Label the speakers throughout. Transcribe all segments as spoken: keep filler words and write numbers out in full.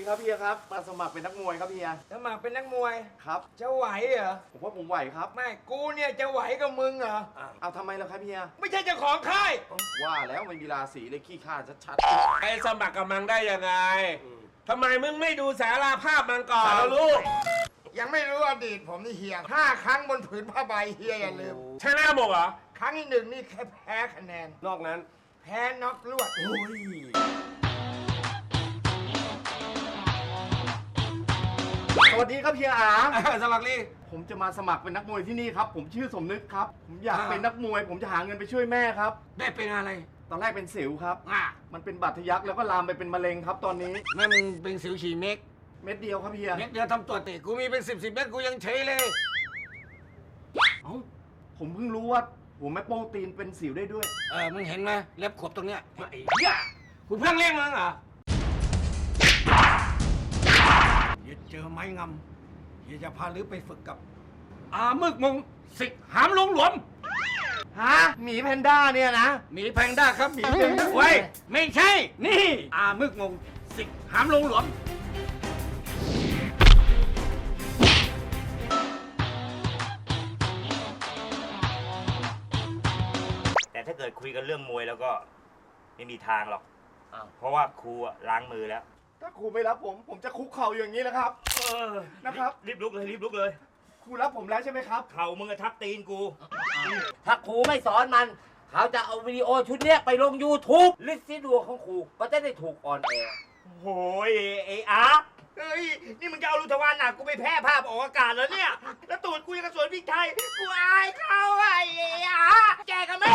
Speaker 1: ครับเฮียครับมาสมัครเป็นนักมวยครับเฮีย
Speaker 2: สมัครเป็นนักมวย
Speaker 1: ครับ
Speaker 2: จะไหวเหรอ
Speaker 1: ผมว่าผมไหวครับ
Speaker 2: ไม่กูเนี่ยจะไหวกับมึงเหรอ
Speaker 1: เอาทำไมล่ะครับเฮีย
Speaker 2: ไม่ใช่เจ้าของค่าย
Speaker 1: ว่าแล้วไม่มีราศีเลยขี้ข้าชัด
Speaker 3: ไปสมัครกับมันได้ยังไงทำไมมึงไม่ดูสาราภาพมันก่อน
Speaker 1: สารลูก
Speaker 2: ยังไม่รู้อดีตผมนี่เฮียห้าครั้งบนผืนผ้าใบเฮียอย่าลืม
Speaker 3: ชนะหมดเหรอ
Speaker 2: ครั้งที่หนึ่งนี่แค่แพ้คะแนน
Speaker 3: นอกนั้น
Speaker 2: แพ้น็อกลวด
Speaker 1: สวัสดีครับเฮียอา
Speaker 3: สมัครลี
Speaker 1: ผมจะมาสมัครเป็นนักมวยที่นี่ครับผมชื่อสมนึกครับผมอยาก
Speaker 3: อ่า
Speaker 1: เป็นนักมวย ผมจะหาเงินไปช่วยแม่ครับ
Speaker 3: ได้เป็นอะไร
Speaker 1: ตอนแรกเป็นสิวครับ
Speaker 3: อ่ะ
Speaker 1: มันเป็นบัตรทะยักแล้วก็ลามไปเป็นมะเร็งครับตอนนี้
Speaker 3: แม่มึงเป็นสิวฉี่เม็ก
Speaker 1: เม็ดเดียวครับเฮีย
Speaker 3: เม็ดเดียวทำตัวติกูมีเป็นสิบสิบเม็ดกูยังเฉยเลย
Speaker 1: เอ้าผมเพิ่งรู้ว่าหัวแม่โป้งตีนเป็นสิวได้ด้วย
Speaker 3: เออมึงเห็นไหมเล็บขบตรงเนี้ยไอ้เหี้ยกูเพิ่งเลี้ยงมึงเหรออย่าเจอไม้งำอย่าจะพาลือไปฝึกกับอามึกมงสิกหามลงหลวม
Speaker 1: ฮะหมีแพนด้าเนี่ยนะ
Speaker 3: หมีแพงด้าครับหมีแพงด้าเว้ยไม่ใช่ นี่ อามึกงงสิกหามลงหลวม
Speaker 4: แต่ถ้าเกิดคุยกันเรื่องมวยแล้วก็ไม่มีทางหรอก เพราะว่าครูอะล้างมือแล้ว
Speaker 1: ถ้าครูไม่รับผม ผมจะคุกเข่าอย่างนี้แหละครับ
Speaker 4: เออ
Speaker 1: นะครับ
Speaker 4: รีบลุกเลยรีบลุกเลย
Speaker 1: ครูรับผมแล้วใช่ไหมครับ
Speaker 4: เข่ามึงอะทับตีนกู
Speaker 5: ถ้าครูไม่สอนมัน เขาจะเอาวิดีโอชุดเนี้ยไปลง YouTube ลิสต์ซีดวงของครูก็จะได้ถูกออนแอร์
Speaker 4: โอ้ยไอ้อาร์ตเฮ้ย นี่มึงจะเอาลูกทวารหนักกูไปแพร่ภาพออกอากาศแล้วเนี่ย แล้วตูดกูยังกระสวนพริกไทย กูอายเขาไอ้อาร์ตแจกกันไหม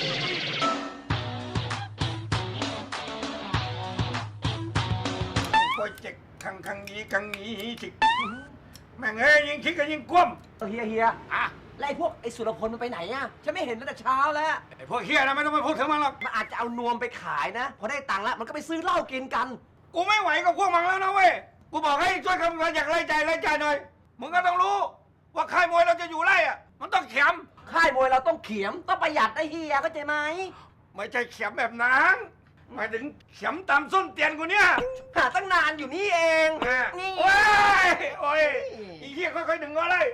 Speaker 3: โปรเจกต์ครั้งครั้งนี้ครั้งนี้สิแม่งเอ้ยยิงคิดกันยิงกลุ้ม
Speaker 5: เฮียเฮีย
Speaker 3: อ่ะ
Speaker 5: แล้วไอ้พวกไอ้สุรพลมันไปไหนอะฉันไม่เห็นตั้งแต่เช้าแล้ว
Speaker 3: ไอ้พวกเฮียนะไม่ต้องไปพูดถึงมันหรอก
Speaker 5: มันอาจจะเอานวมไปขายนะ พอได้ตังค์แล้วมันก็ไปซื้อเหล้ากินกัน
Speaker 3: กูไม่ไหวกับพวกมันแล้วนะเว้ย กูบอกให้ช่วยคำนวณอยากไล่ใจไล่ใจหน่อย มึงก็ต้องรู้ ว่าค่ายมวยเราจะอยู่ไล่อะมันต้องเข็ม
Speaker 5: ค่ายมวยเราต้องเขียมต้องประหยัดได้เฮียเข้าใจไหม
Speaker 3: ไม่ใช่เข็มแบบนั้นหมายถึงเข็มตามส้นเตียนกูเนี่ย
Speaker 5: หาตั้งนานอยู่นี่เอง นี่
Speaker 3: โอ้ยโอ้ยอีเหี้ยค่อยๆดึงก็เลย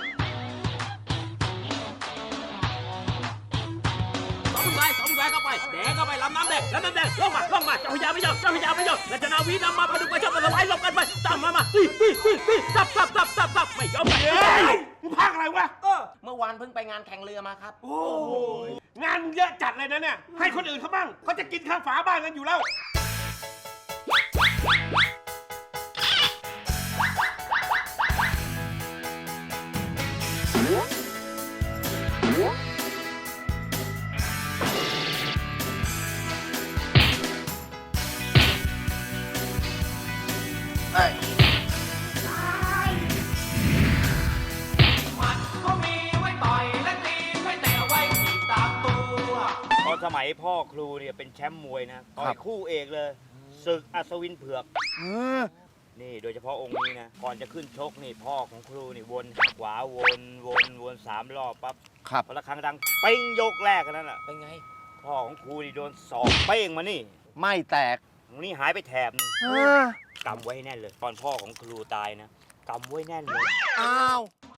Speaker 6: สองสายสองสายเข้าไปแดงเข้าไปลำน้ำแดงลำน้ำแดงลงมาลงมาเจ้าพญาไม่ยอมเจ้าพญาไม่ยอมและชนาวีนำมาพดุงไปชอบมาสบายลงกันไปตามมามาตีตีตีตีซับซับซับซับซับไม่ยอมไป
Speaker 3: เฮ้ยมึงพากอะไรวะ
Speaker 5: เมื่อวานเพิ่งไปงานแข่งเรือมาครับ
Speaker 3: โอ้ยงานมึงเยอะจัดเลยนะเนี่ย ให้คนอื่นเขาบ้างเขาจะกินข้างฝาบ้านกันอยู่แล้ว
Speaker 4: ตอนสมัยพ่อครูเนี่ยเป็นแชมป์มวยนะต่อยคู่เอกเลยศึกอัศวินเผือกนี่โดยเฉพาะองค์นี้นะ ก่อนจะขึ้นชกนี่พ่อของครูนี่วนข้างขวาวนวนวนสามรอบปั๊บ
Speaker 1: ครับ
Speaker 4: พอละครั้งดังเป้งยกแรกกันนั่นแหละ
Speaker 5: เป็นไง
Speaker 4: พ่อของครูนี่โดนสอกเป้งมานี่
Speaker 1: ไม่แตก
Speaker 4: ตรงนี้หายไปแถบนึงกำไว้ให้แน่นเลย ตอนพ่อของครูตายนะกำไว้แน่นเลย
Speaker 1: อ้าว